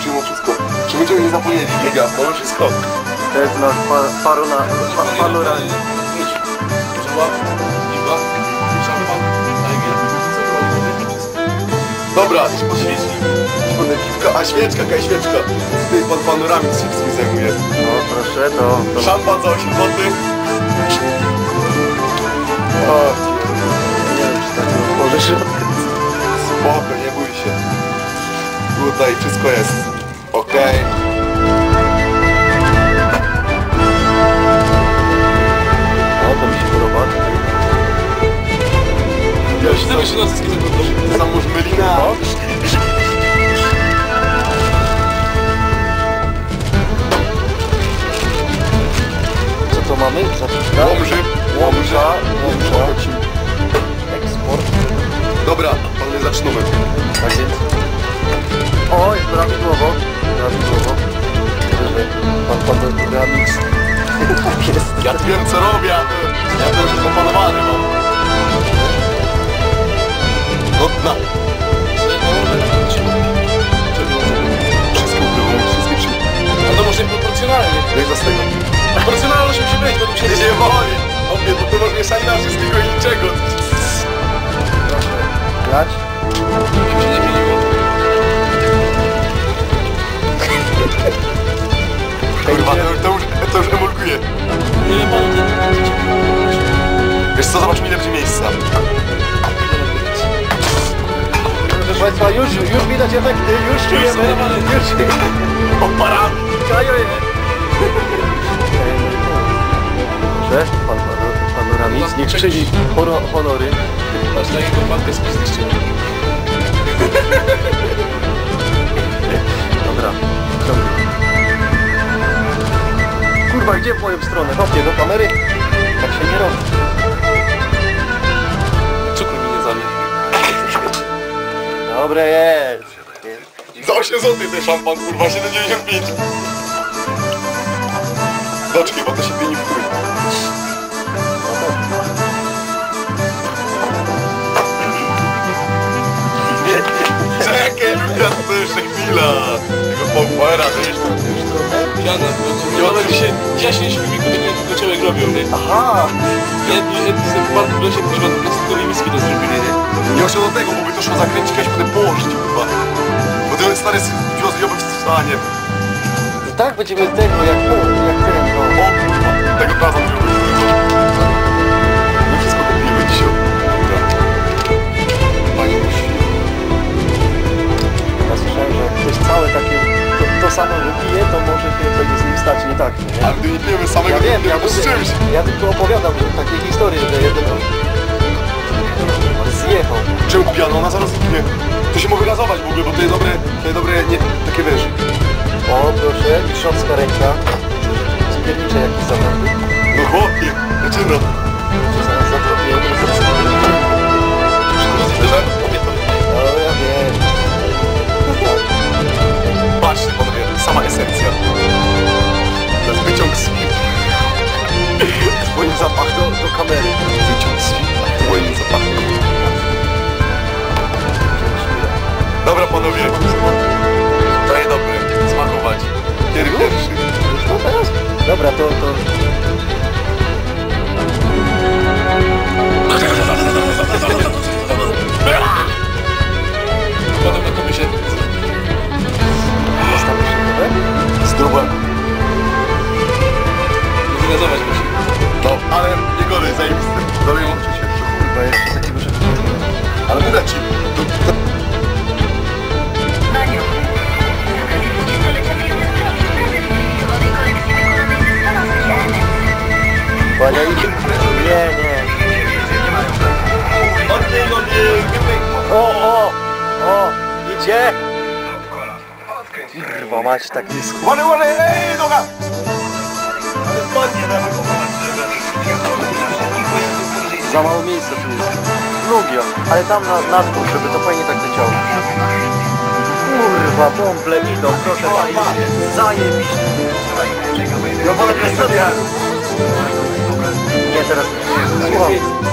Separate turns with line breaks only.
przyjmą wszystko. Czy będziemy nie zapomnieli? Giga, mamy wszystko.
To jest nasz panorama.
Idź. Dobra, idź poświeci. A świeczka, kaj świeczka. Ty, pan panoramik się wszystkim zajmuje.
No proszę, to...
Szampan za 8 zł.
O, nie wiem, czy tak otworzysz.
Spoko, nie bój się. Tutaj wszystko jest. Okej.
O, to mi się podoba.
Ja się tego się na wszystkie zaglądam. Zamóż mylina.
Co to mamy? Zapiska?
Łomża.
Eksport.
Dobra, panowie zaczynamy.
Tak więc... O, jest prawidłowo. Prawidłowo. Pan Ramix. Tak jest.
Ja tu wiem co robię, ja to już opanowany mam. No dna. Wszystko było, wszystkie przy...
A to może proporcjonalnie.
No i za z tego.
Proporcjonalność musi być, bo tu się
Nie woli. Obie, bo to masz mieszanina wszystkiego i niczego.
Grać?
się nie mieliło.
Kurwa, to już emulkuje.
Nie panu
Wiesz co, zobaczmy ile będzie miejsca.
Proszę Państwa, już widać efekty, już czujemy. Już
Oparamy.
Kajoje. Proszę, pan Ramix, niech czyni honory.
Masz na jego walkę z pizdyczkiem.
Dobra, ciągnij. Kurwa, gdzie w moją stronę? Hopie, do kamery? Tak się nie robi.
Cukru mi nie zamień.
Dobre jest.
Za 8 zł ten szampan, kurwa, 7,95. Doczekaj, bo to się pieni w którym. Czekaj, Lukas, to jeszcze chwila. Tego pompera, to jeszcze...
Piana, bo się jaśnie śmiewiku do człowiek robią, nie?
Aha!
Jedni z bardzo w lesie kuźwa plastikowej miski to zrobili, nie?
Nie muszę do tego, bo by to szło zakręcić, kiedyś potem położyć, kurwa. Bo ten stary wiozjowy w stanie.
I tak będziemy tego, jak ten, no.
O, kurwa, tego plaza wziąłem. My wszystko kupimy dzisiaj. Pani musi.
Ja słyszałem, że jak ktoś całe takie, to samo wypije, to może się będzie z nim stać, nie tak, nie?
Ale gdy nie pijemy samego,
Ja wiem,
to z czymś.
ja tylko opowiadam takie historie, że jeden zjechał.
Czemu pijano? Ona zaraz zniknie. To się może gazować w ogóle, bo to jest dobre, nie, takie wiesz.
O, proszę, mistrzowska ręka. Cukiernicze jakieś zabrany.
No chłopie, zaczyna.
Zaraz zabroniemy. No ja wiem.
Patrzcie panowie, sama esencja. To jest wyciąg z film. Twoim zapach
Do kamery.
Wyciąg z film. Twoim zapachem. Dobra panowie. Daję dobry. Smakować. Pierwszy.
Już to teraz? Dobra, to...
Potem na komisie.
Jest tam jeszcze nowe?
Zdrowe.
Zgazować musi.
No, ale nie gorzej, zajebiste. Dalej łączy się.
Kurwa, jeszcze takiego, że...
Ale mówię ci.
Maniu, zakaz 20-lecia firmy Zdrowie z prezentowanej kolekcji wykonanej ze stanów specjalnych.
Bania i... Nie. O! Idzie! Kurwa, mać tak nisko.
Ładnie, ej, noga!
Za mało miejsca tu jest. Lubię, ale tam na dół, żeby to fajnie tak leciało. Kurwa, bąble idą, proszę Państwa. Zajebiście. Ja wolę nie teraz. Słucham.